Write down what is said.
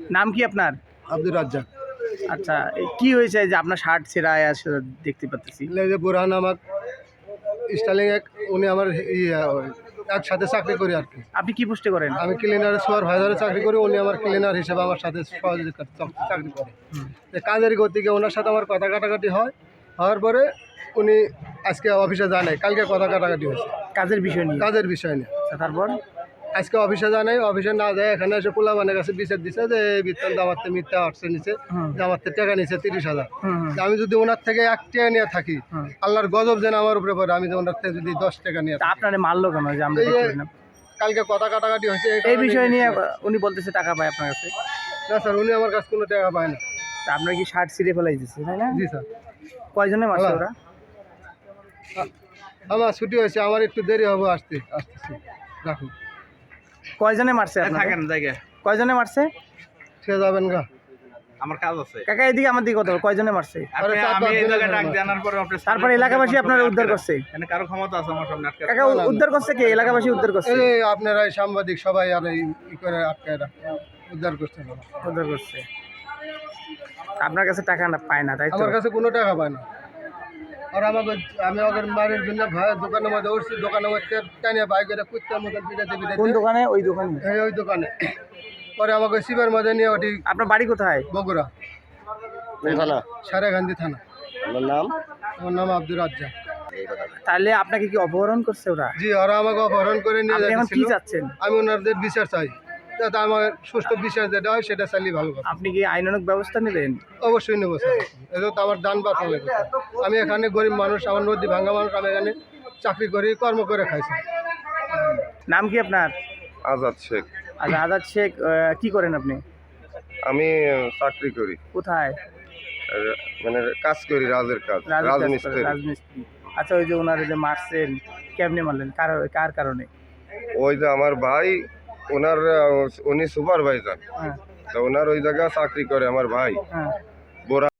নাম কি আপনার? আব্দুর রাজ্জাক। আচ্ছা, কি হয়েছে যে আপনার শার্ট ছেঁড়া দেখতে পাচ্ছি? যে বুরহান আমার স্টাইলিং এক উনি আমার একসাথে চাকরি করি আর কি। আপনি কি পোস্টে করেন? আমি ক্লিনার সুপারভাইজারে চাকরি করি, উনি আমার ক্লিনার হিসেবে আমার সাথে সহযোগিতা চাকরি করে। কাজের গতিকে ওনার সাথে আমার কথা কাটাকাটি হওয়ার পরে উনি আজকে অফিসে জানায়, কালকে কথা কাটাকাটি হয়েছে কাজের বিষয় নিয়ে? কাজের বিষয় নিয়ে। তারপর আজকে অফিসে জানাই, অফিসে না যায় এখানে এসে পোলাবানের কাছে বিচার দিচ্ছে যে এই বিত্তল দামাতে মিথ্যা আটশো নিচ্ছে, দামাতে টাকা নিচ্ছে 30,000। আমি যদি ওনার থেকে 1 টাকা নিয়ে থাকি, আল্লাহর গজব যেন আমার উপরে পড়ে। আমি ওনার থেকে যদি 10 টাকা নিয়ে আপনারে মারলো কেন? যে আমরা কালকে কথা কাটাকাটি হয়েছে এই বিষয় নিয়ে। উনি বলতেছে টাকা পায় আপনার কাছে? না স্যার, উনি আমার কাছে কোনো টাকা পায় না। আপনার কি শার্ট ছিঁড়ে ফেলাই দিচ্ছে, তাই না? জি স্যার। কয়জনে মারছে ওরা? আমার ছুটি হয়েছে, আমার একটু দেরি হবে আসতেছি। রাখুন। কয়জনে মারছে? থাকেন জায়গায়। কয়জনে মারছে? ঠিক যাবেন গা, আমার কাজ আছে। কাকা এদিকে আমার দিকে কথা বল, কয়জনে মারছে? আমি এই জায়গায় ডাক জানার পরে তারপরে এলাকাবাসী আপনার উদ্ধার করছে? এখানে কারো ক্ষমতা আছে আমার সামনে আটকে? কাকা উদ্ধার করছে কে? এলাকাবাসী উদ্ধার করছে? এই আপনারা এই সাংবাদিক সবাই আর এই করে আটকায় উদ্ধার করছেন। উদ্ধার করছে। আপনার কাছে টাকা না পায় না, তাই তো? আমার কাছে কোনো টাকা পায় না। আর আমি ওদের মারের জন্য ভাই দোকানের মধ্যে উঠছি, দোকানের মধ্যে টানিয়ে বাইক করে কুত্তার মধ্যে পিটাতে কোন দোকানে? ওই দোকানে? ওই দোকানে। পরে আমাকে শিবের মধ্যে নিয়ে ওটি। আপনার বাড়ি কোথায়? বগুড়া থানা। সারেগান্ধী থানা। আমার নাম? আমার নাম আব্দুর রাজ্জাক। তাহলে আপনাকে কি অপহরণ করছে ওরা? জি, ওরা আমাকে অপহরণ করে নিয়ে আপনি এখন কি যাচ্ছিল। চাচ্ছেন? আমি ওনাদের বিচার চাই, যাতে আমার সুষ্ঠু বিচার যেটা হয় সেটা চাইলে ভালো কথা। আপনি কি আইনানুগ ব্যবস্থা নেবেন? অবশ্যই নেবো স্যার, এটা তো আমার দান বাঁচানো লাগবে। আমি এখানে গরিব মানুষ, আমার নদী ভাঙ্গা মানুষ, আমি এখানে চাকরি করি, কর্ম করে খাইছি। নাম কি আপনার? আজাদ শেখ। আচ্ছা, আজাদ শেখ, কি করেন আপনি? আমি চাকরি করি, কোথায়? মানে কাজ করি, রাজের কাজ, রাজমিস্ত্রি। রাজমিস্ত্রি। আচ্ছা, ওই যে ওনার যে মারছেন, কেমনে মারলেন? কার কারণে? ওই যে আমার ভাই, উনি সুপারভাইজার, হ্যাঁ তো ওনার ওই জায়গায় চাকরি করে আমার ভাই। হ্যাঁ।